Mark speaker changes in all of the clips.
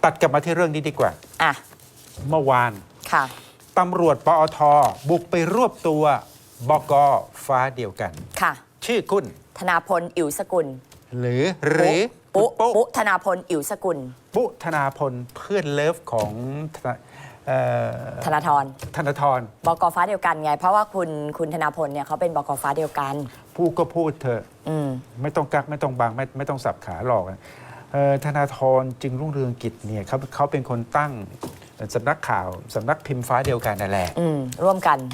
Speaker 1: ตัดกลับมาที่เรื่องนี้ดีกว่า
Speaker 2: อ่ะ
Speaker 1: เมื่อวาน
Speaker 2: ค่ะ
Speaker 1: ตำรวจปอทบุกไปรวบตัวบก.ฟ้าเดียวกัน
Speaker 2: ค่ะ
Speaker 1: ชื่อคุณ
Speaker 2: ธนาพลอิ๋วสกุล
Speaker 1: หรือ
Speaker 2: ปุ๊ธนาพลอิ๋วสกุล
Speaker 1: ปุ๊ธนาพลเพื่อนเลิฟของ
Speaker 2: ธนาธรบก.ฟ้าเดียวกันไงเพราะว่าคุณธนาพลเนี่ยเขาเป็นบก.ฟ้าเดียวกัน
Speaker 1: พูดก็พูดเถอะไม่ต้องกักไม่ต้องบังไม่ต้องสับขาหลอกธนาธรจึงรุ่งเรืองกิจเนี่ยเขาเป็นคนตั้งสำนักข่าวสำนักพิมพ์ฟ้าเดียวกันนั่นแหละ
Speaker 2: ร่วมกัน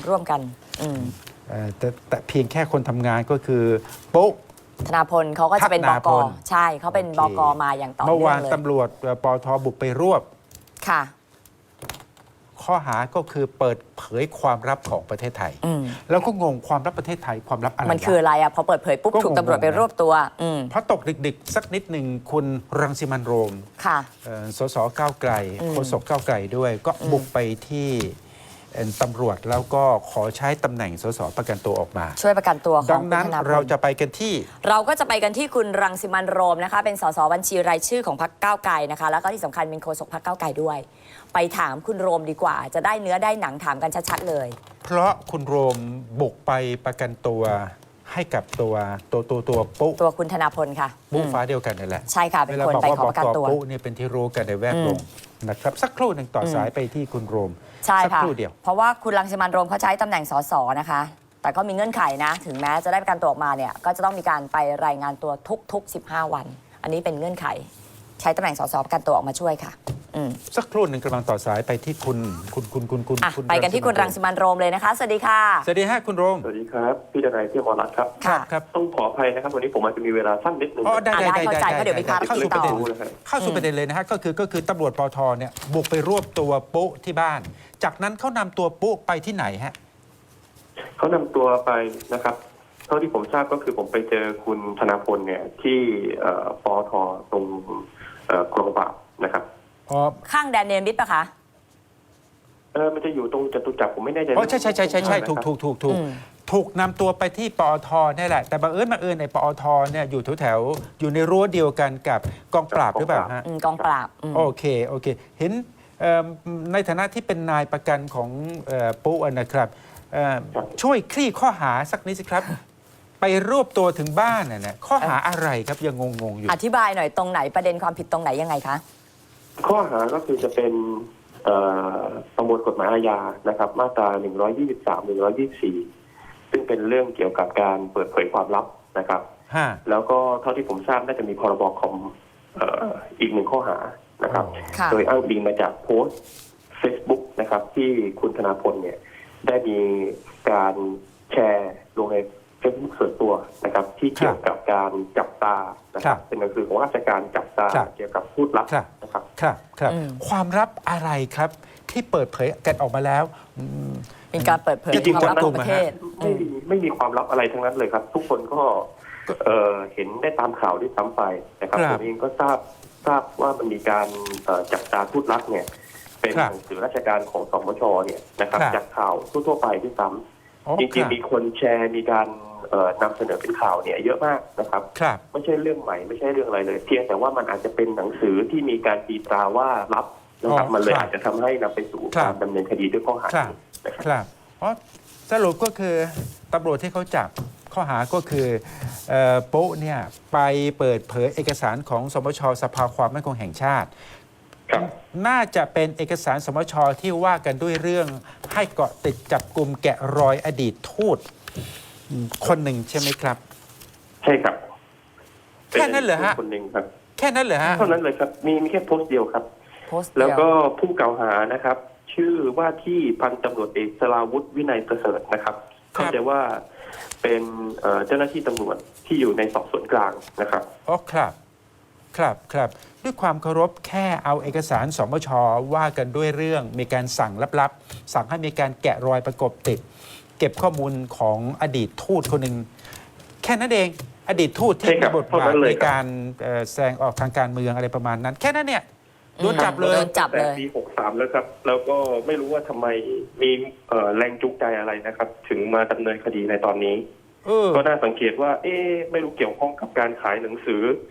Speaker 1: แต่เพียงแค่คนทำงานก็คือปุ๊
Speaker 2: ธนาพลเขาก็จะเป็นบก.ใช่เขาเป็นบก.มาอย่างต่อเนื่องเลย
Speaker 1: เมื่อวานตำรวจปทบุกไปรวบ
Speaker 2: ค่ะ
Speaker 1: ข้อหาก็คือเปิดเผยความลับของประเทศไทยแล้วก็งงความลับประเทศไทยความลับอะไร
Speaker 2: มันคืออะไรอ่ะพอเปิดเผยปุ๊บถูกตำรวจไปรวบตัว
Speaker 1: เพราะตกดึกๆสักนิดหนึ่งคุณรังสิมันต์โรม
Speaker 2: ค่ะ
Speaker 1: สสก้าวไกลโฆษกก้าวไกลด้วยก็บุกไปที่ตำรวจแล้วก็ขอใช้ตำแหน่งสสประกันตัวออกมา
Speaker 2: ช่วยประกันตัวของ
Speaker 1: ดังนั้นเราจะไปกันที่
Speaker 2: เราก็จะไปกันที่คุณรังสิมันต์โรมนะคะเป็นสสบัญชีรายชื่อของพรรคก้าวไกลนะคะแล้วก็ที่สำคัญเป็นโฆษกพรรคก้าวไกลด้วยไปถามคุณโรมดีกว่าจะได้เนื้อได้หนังถามกันชัดๆเลย
Speaker 1: เพราะคุณโรมบุกไปประกันตัวให้กับตัวปุ๊
Speaker 2: ตัวคุณธนาพลค่ะ
Speaker 1: ปุ๊ฟ้าเดียวกันนั่นแหละ
Speaker 2: ใช่ค่ะเป็นคนไปขอประกันตัว
Speaker 1: ปุ๊เนี่ยเป็นที่รู้กันในแวดวงนะครับสักครู่หนึ่งต่อสายไปที่คุณโรม
Speaker 2: ใช่ค่ะเพราะว่าคุณรังสิมันต์โรมเขาใช้ตำแหน่งสสนะคะแต่ก็มีเงื่อนไขนะถึงแม้จะได้ประกันตัวออกมาเนี่ยก็จะต้องมีการไปรายงานตัวทุก15 วันอันนี้เป็นเงื่อนไขใช้ตำแหน่งสสประกันตัวออกมาช่วยค่ะ
Speaker 1: สักครู่หนึ่งกำลังต่อสายไปที่คุณ
Speaker 2: ไปกันที่คุณรังสิมันต์โรมเลยนะคะสวัสดีค่ะ
Speaker 1: สวัสดีฮะคุณโรม
Speaker 3: สวัสดีครับพี่ดนัยพี่อมรรัตน์ครับ
Speaker 1: ครับ
Speaker 3: ต้องขออภัยนะครับวันนี้ผมอาจจะมีเวลาสั้นนิดนึง
Speaker 1: ได้
Speaker 2: เข้าใจเพราะเดี๋ยวมีภารกิจต่อ
Speaker 1: เข้าสู่ประเด็นเลยนะฮะก็คือตำรวจปทเนี่ยบุกไปรวบตัวปุ๊ที่บ้านจากนั้นเขานำตัวปุ๊ไปที่ไหนฮะ
Speaker 3: เขานำตัวไปนะครับเท่าที่ผมทราบก็คือผมไปเจอคุณธนาพลเนี่ยที่ปทตรงกองปราบนะครับ
Speaker 2: ข้างแดนเนมิตปะคะ
Speaker 3: มันจะอยู่ตรงจตุจักรผมไม่แน่ใจ
Speaker 1: ใช่ถูกนำตัวไปที่ปอทนี่แหละแต่บังเอิญในปอทเนี่ยอยู่แถวอยู่ในรั้วเดียวกันกับกองปราบหรือเปล่าฮะ
Speaker 2: กองปราบ
Speaker 1: โอเคเห็นในฐานะที่เป็นนายประกันของปุ๊นะครับช่วยคลี่ข้อหาสักนิดสิครับไปรวบตัวถึงบ้านเนี่ยข้อหาอะไรครับยังงงอยู่
Speaker 2: อธิบายหน่อยตรงไหนประเด็นความผิดตรงไหนยังไงคะ
Speaker 3: ข้อหาก็คือจะเป็นประมวลกฎหมายอาญานะครับมาตรา123 124ซึ่งเป็นเรื่องเกี่ยวกับการเปิดเผยความลับนะครับแล้วก็เท่าที่ผมทราบน่าจะมีพรบคอมอีก1ข้อหานะครับโดยอ้างอิงมาจากโพสต์ Facebook นะครับที่คุณธนาพลเนี่ยได้มีการแชร์ลงในเฟซบุ๊กส่วนตัวนะครับที่เกี่ยวกับการจับตานะครับเป็นหนังสือของราชการจับตาเกี่ยวกับพูดลับนะครับ
Speaker 1: ครับความลับอะไรครับที่เปิดเผยกันออกมาแล้ว
Speaker 2: เป็นการเปิดเผยความลับของประเทศ
Speaker 3: ไม่มีความลับอะไรทั้งนั้นเลยครับทุกคนก็เห็นได้ตามข่าวด้วยซ้ำไปนะครับผมเองก็ทราบว่ามันมีการจับตาพูดลับเนี่ยเป็นหนังสือราชการของสมชเนี่ยนะครับจากข่าวทั่วไปด้วยซ้ำจริงๆมีคนแชร์มีการนำเสนอเป็นข่าวเนี่ยเยอะมากนะครับไม่ใช่เรื่องใหม่ไม่ใช่เรื่องอะไรเลยเพียงแต่ว่ามันอาจจะเป็นหนังสือที่มีการตีตราว่าลับนะครับมันเลยอาจจะทำให้นำไปสู่การดำเนินคดีด้วยข้อหา
Speaker 1: ครับเพราะสรุปก็คือตำรวจที่เขาจับข้อหาก็คือปุ๊เนี่ยไปเปิดเผยเอกสารของสมช.สภาความมั่นคงแห่งชาติน่าจะเป็นเอกสารสมช.ที่ว่ากันด้วยเรื่องให้เกาะติดจับกลุ่มแกะรอยอดีตทูตคนหนึ่งใช่ไหมครับ
Speaker 3: ใช่ครับ
Speaker 1: แค่นั้นเหรอฮะ
Speaker 3: คนหนึ่งครับ
Speaker 1: แค่นั้นเหรอฮะ
Speaker 3: เท่านั้นเลยครับมีแค่โพสต์เดียวครับแล้วก็ผู้กล่าวหานะครับชื่อว่าที่พันตำรวจเอกสราวุฒิวินัยประเสริฐนะครับเข้าใจว่าเป็นเจ้าหน้าที่ตำรวจที่อยู่ในสอบสวนกลางนะครับ
Speaker 1: อ๋อครับด้วยความเคารพแค่เอาเอกสารสมช.ว่ากันด้วยเรื่องมีการสั่งลับๆสั่งให้มีการแกะรอยประกบติดเก็บข้อมูลของอดีตทูตคนหนึ่งแค่นั้นเองอดีตทูตที่มีบทบาทในการแสดงออกทางการเมืองอะไรประมาณนั้นแค่นั้นเนี่ยโดนจับเลย
Speaker 3: ปี63แล้วครับแล้วก็ไม่รู้ว่าทำไมมีแรงจูงใจอะไรนะครับถึงมาดำเนินคดีในตอนนี้ก็น่าสังเกตว่าไม่รู้เกี่ยวข้องกับการขายหนังสือ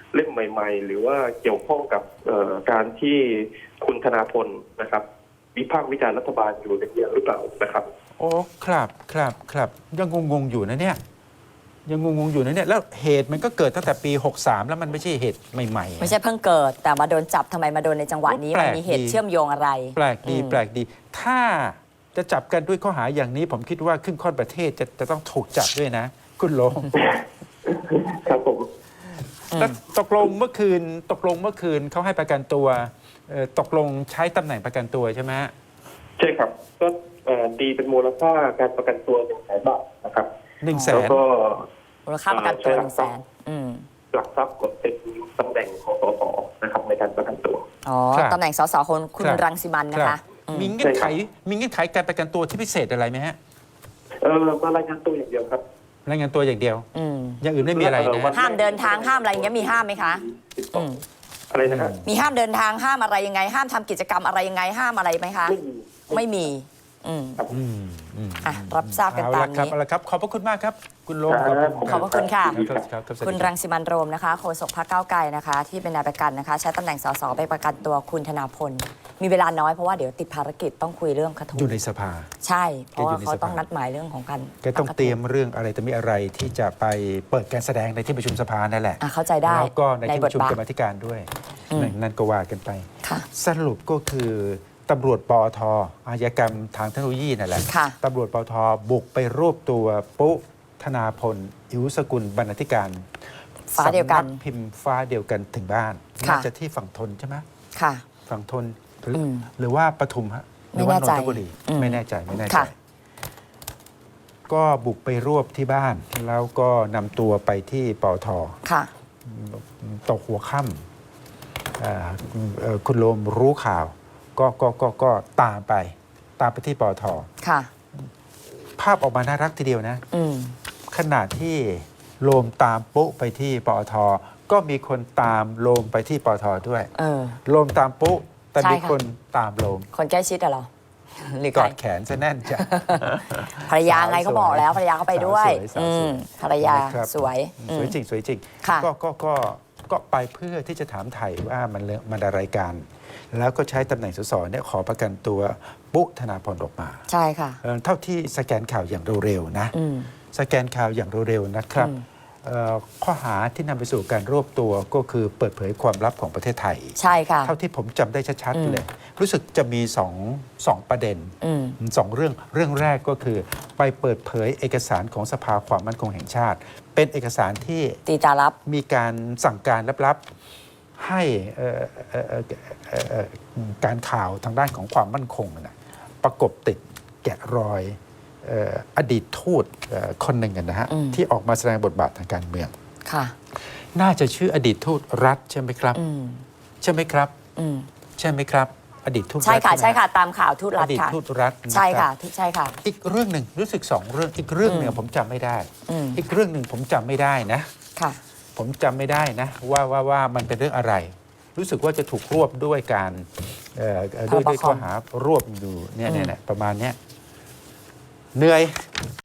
Speaker 3: เล่มใหม่ ๆ หรือว่าเกี่ยวข้องกับการที่คุณธนาพลนะครับวิพากษ์วิจารณ์รัฐบาลอยู่อย่างเดียวหรือเปล่านะครับ
Speaker 1: โอ้ครับยังงงๆอยู่นะเนี่ยยังงงๆอยู่นะเนี่ยแล้วเหตุมันก็เกิดตั้งแต่ปี 63 แล้วมันไม่ใช่เหตุใหม่ๆ
Speaker 2: ไม่ใช่เพิ่งเกิด แต่มาโดนจับทำไมมาโดนในจังหวะนี้
Speaker 1: แปล
Speaker 2: มัน
Speaker 1: ก
Speaker 2: มีเหตุ
Speaker 1: ดี
Speaker 2: เชื่อมโยงอะไร
Speaker 1: แปลกดี ถ้าจะจับกันด้วยข้อหาอย่างนี้ ผมคิดว่าครึ่งค่อนประเทศจะต้องถูกจับด้วยนะ คุณโลง
Speaker 3: ครับผม
Speaker 1: แล้วตกลงเมื่อคืนเขาให้ประกันตัวตกลงใช้ตำแหน่งประกันตัวใช่ไหมฮะ
Speaker 3: ใช่ครับก็ดีเป็นมูลค่าการประกันตัว100,000 บาทนะครับ
Speaker 1: 100,000
Speaker 3: แล้วก็
Speaker 2: มูลค่าประกันตัว
Speaker 3: ใช่
Speaker 2: 100,000
Speaker 3: หลักทรัพย์ก็เป็นตำแหน่งของสสนะครับในการประกันตัว
Speaker 2: อ๋อ
Speaker 1: ครับ
Speaker 2: ตำแหน่งสสคุณ
Speaker 1: ครับ
Speaker 2: รังสิมันต์นะคะอืม
Speaker 1: มีเงื่อนไขการประกันตัวที่พิเศษอะไรไหมฮะ
Speaker 3: มารายงานตัวอย่างเดียวครับ
Speaker 1: รายงานตัวอย่างเดียว
Speaker 2: อืม
Speaker 1: อย่างอื่นไม่มีอะไรนะ
Speaker 2: ห้ามเดินทางห้ามอะไรอย่างเงี้ยมีห้ามไหมคะอืม
Speaker 3: อะไรนะฮะ
Speaker 2: มีห้ามเดินทางห้ามอะไรยังไง ห้ามทำกิจกรรมอะไรยังไงห้ามอะไรไหมคะ ไม่มีอืม
Speaker 1: อืม
Speaker 2: อ่ะรับทราบกันตามนี้
Speaker 1: เอาละครับขอบพระคุณมากครับ คุณโลง
Speaker 2: ขอบพระคุณค่ะ
Speaker 1: ครับสวัสดี
Speaker 2: คุณ
Speaker 1: รับ
Speaker 2: รังสิมันต์โรมนะคะโฆษกพรรคก้าวไกลนะคะ ที่เป็นนายประกันนะคะ ใช้ตำแหน่งสสไปประกันตัวคุณธนาพล มีเวลาน้อยเพราะว่าเดี๋ยวติดภารกิจต้องคุยเรื่องคดี
Speaker 1: อยู่ในสภา
Speaker 2: ใช่ เพราะว่า
Speaker 1: แกอยู่ใน
Speaker 2: เขา
Speaker 1: สภา
Speaker 2: ต้องนัดหมายเรื่องของการ
Speaker 1: แกต้องเตรียมเรื่องอะไรแต่มีอะไรที่จะไปเปิดการแสดงในที่ประชุมสภานั่นแหละ
Speaker 2: เข้าใจได้
Speaker 1: แล้วก็ในที่
Speaker 2: บ
Speaker 1: ป
Speaker 2: ท
Speaker 1: ระชุม
Speaker 2: บาท
Speaker 1: กรรมาธิการด้วย
Speaker 2: อืม
Speaker 1: นั่นก็ว่ากันไป
Speaker 2: ค่ะ
Speaker 1: สรุปก็คือตำรวจปอทอาชญากรรมทางเทคโนโลยีนั่นแหละ
Speaker 2: ค่ะ
Speaker 1: ตำรวจปอทบุกไปรวบตัวปุ๊ธนาพล อิวสกุลบรรณาธิการ
Speaker 2: ฟ้าเดียวกัน
Speaker 1: สำพิมพ์ฟ้าเดียวกันถึงบ้าน
Speaker 2: ค่ะ
Speaker 1: น่าจะที่ฝั่งทนใช่ไหม
Speaker 2: ค่ะ
Speaker 1: ฝั่งทนหรืออ
Speaker 2: ม
Speaker 1: หรือว่าปทุมฮะหรือว่า
Speaker 2: ไม่แน่ใจ
Speaker 1: นนทบุรี
Speaker 2: อืม
Speaker 1: ไม่แน่ใจ
Speaker 2: ค่ะ
Speaker 1: ก็บุกไปรวบที่บ้าน แล้วก็นำตัวไปที่ปอท
Speaker 2: ค่ะ
Speaker 1: ตกหัวค่ำคุณโลมรู้ข่าว ก็ตามไปที่ปอท
Speaker 2: ค่ะ
Speaker 1: ภาพออกมาน่ารักทีเดียวนะ
Speaker 2: อืม
Speaker 1: ขณะที่โลมตามปุ๊ไปที่ปอท ก็มีคนตามโลมไปที่ปอทด้วย
Speaker 2: เออ
Speaker 1: โลมตามปุ๊แต่
Speaker 2: ใช่
Speaker 1: มี
Speaker 2: ค่ะ
Speaker 1: คนตามโลม
Speaker 2: คนใกล้ชิดอะเหรอ หรือก ใคร
Speaker 1: อดแขนซะแน่นจ้ะ
Speaker 2: ภรรยาไงเขาบอกแล้วภรรยาเขาไปด้วย
Speaker 1: สาวสวย
Speaker 2: อืมภรรยา
Speaker 1: นะครับ
Speaker 2: สวยอื
Speaker 1: ส
Speaker 2: ม
Speaker 1: วยจริงสวยจริง
Speaker 2: ค่ะ
Speaker 1: ก็ไปเพื่อที่จะถามไถ่ว่ามันอะไรกัน แล้วก็ใช้ตำแหน่งสสเนี่ยขอประกันตัวปุ๊ธนาพรออกมา
Speaker 2: ใช่ค่ะ
Speaker 1: เท่าที่สแกนข่าวอย่างเร็วๆนะ
Speaker 2: อืม
Speaker 1: สแกนข่าวอย่างเร็วๆนะครับ
Speaker 2: อืม
Speaker 1: ข้อหาที่นำไปสู่การรวบตัวก็คือเปิดเผยความลับของประเทศไทย
Speaker 2: ใช่ค่ะ
Speaker 1: เท่าที่ผมจำได้ชัด
Speaker 2: อืม
Speaker 1: ๆเลย รู้สึกจะมีสองประเด็น
Speaker 2: อืม
Speaker 1: สองเรื่องแรกก็คือไปเปิดเผยเอกสารของสภาความมั่นคงแห่งชาติ เป็นเอกสารที่
Speaker 2: ตีตารับ
Speaker 1: มีการสั่งการลับๆให้การข่าวทางด้านของความมั่นคงนะประกบติดแกะรอยอดีตทูตคนหนึ่งนะฮะ
Speaker 2: อืม
Speaker 1: ที่ออกมาแสดงบทบาททางการเมือง
Speaker 2: ค่ะ
Speaker 1: น่าจะชื่ออดีตทูตรัฐใช่ไหมครับ
Speaker 2: อืม
Speaker 1: ใช่ไหมครับ
Speaker 2: อืม
Speaker 1: ใช่ไหมครับ อดีตทูตรัฐ
Speaker 2: ใช่ค่ะ
Speaker 1: ไหม
Speaker 2: ใช่ค่ะ ตามข่าวทูต
Speaker 1: อ
Speaker 2: รัฐ
Speaker 1: ดีต
Speaker 2: ค่ะ
Speaker 1: ทูตรัฐน
Speaker 2: ใช่
Speaker 1: รั
Speaker 2: ค่ะ
Speaker 1: บ
Speaker 2: ใช่ค่ะ
Speaker 1: อีกเรื่องหนึ่งรู้สึกสองเรื่องอีกเรื่องหนึ่ง
Speaker 2: อืม
Speaker 1: ผมจำไม่ได้
Speaker 2: อืม
Speaker 1: อีกเรื่องหนึ่งผมจำไม่ได้นะ
Speaker 2: ค่ะ
Speaker 1: ผมจำไม่ได้นะว่ามันเป็นเรื่องอะไร รู้สึกว่าจะถูกรวบด้วยการด้วยข้อหารวบอยู่เนี่ยประมาณเนี้ยเหนื่อย